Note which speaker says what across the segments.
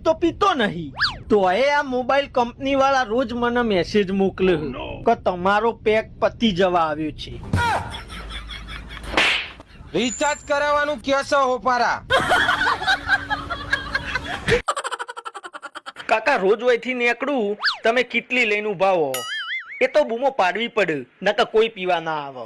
Speaker 1: તો પીતો નહીં, તો આ મોબાઈલ કંપની વાળા રોજ મને મેસેજ મોકલે કે તમારો પેક પતી જવા આવ્યો છે.
Speaker 2: રિચાર્જ કરાવવાનું કેસો હોપારા.
Speaker 1: કાકા રોજ વયથી નીકળું, તમે કેટલી લઈને ઉભા હો? એ તો બૂમો પાડવી પડે, નકર કોઈ પીવા ના આવે.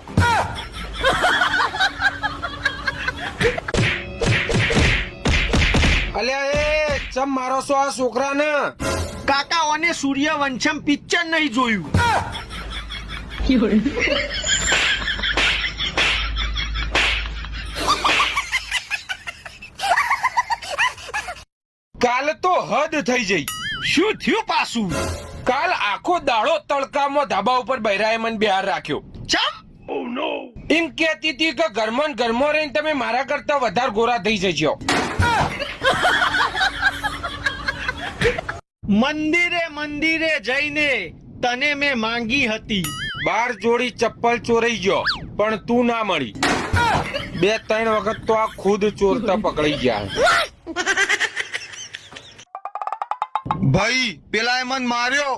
Speaker 2: અલ્યા એ ચમ મારો છો આ છોકરાને?
Speaker 1: કાકા ઓને સૂર્યવંશમ પિક્ચર નહીં જોયું.
Speaker 2: કાલ તો હદ થઈ જઈ.
Speaker 1: શું થયું પાછું?
Speaker 2: કાલ આખો દાડો તડકામાં ધાબા ઉપર બૈરાએ મને બહાર રાખ્યો.
Speaker 1: ચમ?
Speaker 2: એમ કહેતી હતી કે ઘરમાં ને ઘરમાં રહીને તમે મારા કરતા વધારે ગોરા થઈ જજો.
Speaker 1: મંદિરે જઈને તને મેં માંગી હતી.
Speaker 2: 12 જોડી ચપ્પલ ચોરાઈ ગયો પણ તું ના મળી. 2-3 વખત તો આ ખુદ ચોરતા પકડાઈ ગયા.
Speaker 3: ભાઈ પેલા મન માર્યો.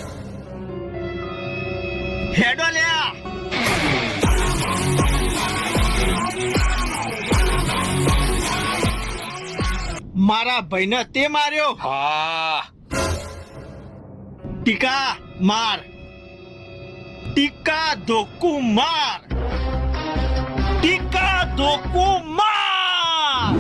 Speaker 1: હેડો લ્યા. મારા ભાઈને તે માર્યો.
Speaker 2: હા
Speaker 1: ટીકા માર, ટીકા ધોકુ માર, ટીકા ધોકુ માર.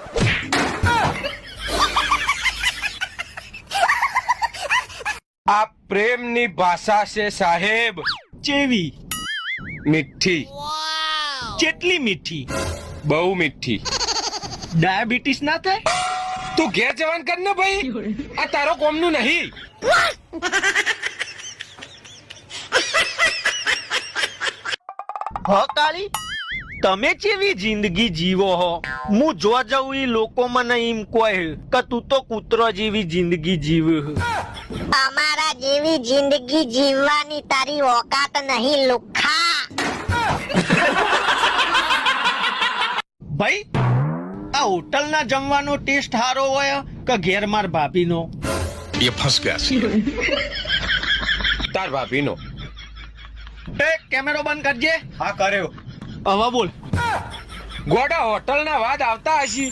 Speaker 2: આ પ્રેમની ભાષા છે સાહેબ.
Speaker 1: ચેવી?
Speaker 2: મીઠી,
Speaker 1: કેટલી મીઠી?
Speaker 2: બહુ મીઠી.
Speaker 1: ડાયાબિટીસ ના થાય?
Speaker 2: તું ઘેર જવાન કર ને ભાઈ, આ તારો કોમનું નહીં.
Speaker 1: હ કાળી, તમે કેવી જિંદગી જીવો હો? હું જો જઉં ઈ લોકો મને એમ કહે કે તું તો કૂતરો જેવી જિંદગી જીવે.
Speaker 4: અમારા જેવી જિંદગી જીવવાની તારી ઓકાત નહીં લુખ્ખા.
Speaker 1: ભાઈ આ હોટલ ના જમવાનો ટેસ્ટ સારો હોય કે ઘેર માર ભાભીનો?
Speaker 3: એ ફસ ગયા.
Speaker 2: તાર ભાભીનો.
Speaker 1: એ કેમેરો બંધ કરજે.
Speaker 3: હા કર્યો.
Speaker 1: હવે બોલ.
Speaker 2: ગોડા હોટલ ના વાત આવતા હશી.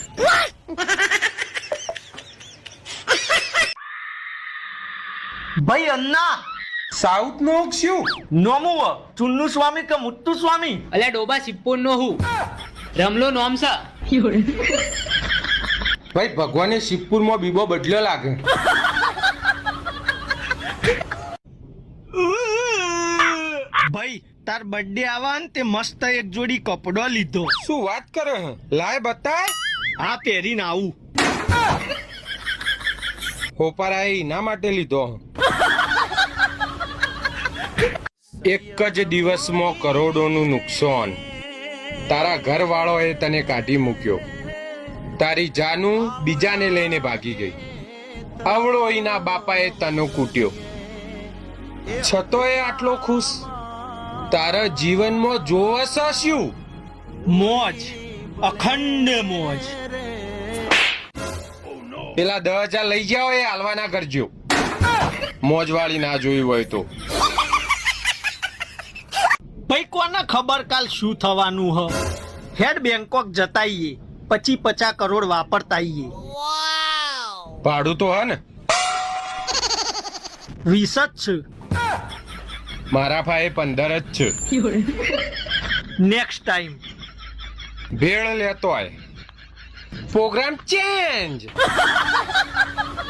Speaker 1: ભાઈ અન્ના
Speaker 2: સાઉથ નું શું
Speaker 1: નોમું ચુન્નુ સ્વામી કે મુત્તુ સ્વામી?
Speaker 5: અલ્યા ડોબા સિપ્પોન નો હું રમલો નોમ સા.
Speaker 2: ભાઈ ભગવાને શિવપુર માં બીબો બદલ્યો લાગે.
Speaker 1: ભાઈ તાર બર્થડે આવા ને તે મસ્ત એક જોડી કપડો લીધો.
Speaker 2: શું વાત કરે હે? લાય બતાય.
Speaker 1: આ પહેરીને આવું.
Speaker 2: હોપારા એના માટે લીધો. એક જ દિવસમાં કરોડોનું નુકસાન. તારા ઘર વાળોએ તને કાઢી મૂક્યો. તારી જાનું બીજાને લઈને ભાગી ગઈ. અવળો એના બાપાએ તને કૂટ્યો. છતોય આટલો ખુશ. તારા જીવનમાં જોવસ શું?
Speaker 1: મોજ, અખંડ મોજ.
Speaker 2: પેલા 10,000 લઈ જાઓ, એ હાલવા ના કરજો. મોજવાળી ના જોઈ હોય તો.
Speaker 1: ભાઈ કોને ખબર કાલ શું થવાનું હ? હેડ બેંકોક જતાઈએ, 50 કરોડ વાપરતાઈએ.
Speaker 2: ભાડું તો હે ને?
Speaker 1: 20 જ છે.
Speaker 2: મારા ભાઈ 15 જ છે.
Speaker 1: નેક્સ્ટ ટાઈમ
Speaker 2: ભેળ લેતો આય. Programme change.